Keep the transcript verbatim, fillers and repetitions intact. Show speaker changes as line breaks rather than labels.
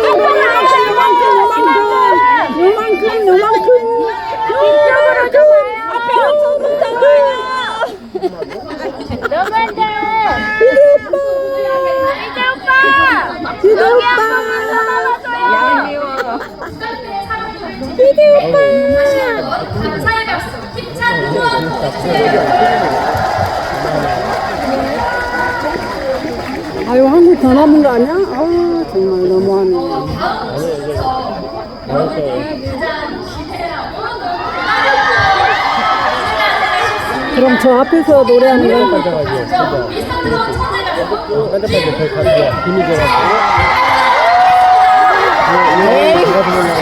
요만큼, 요만큼. 이쪽으로 좀. 앞에 엄청 높잖아.
너무한데.
이대 오빠.
이대 오빠.
이대
여기
오빠.
한번 불러봐줘요.
얄미워. 이대 오빠. 아유, 한국 더 남은 거 아니야? 아, 정말 너무하네. 그럼 저 앞에서 노래하는 거.
반짝반짝하죠. 반짝반짝 별 가지고 힘이 돼가지고.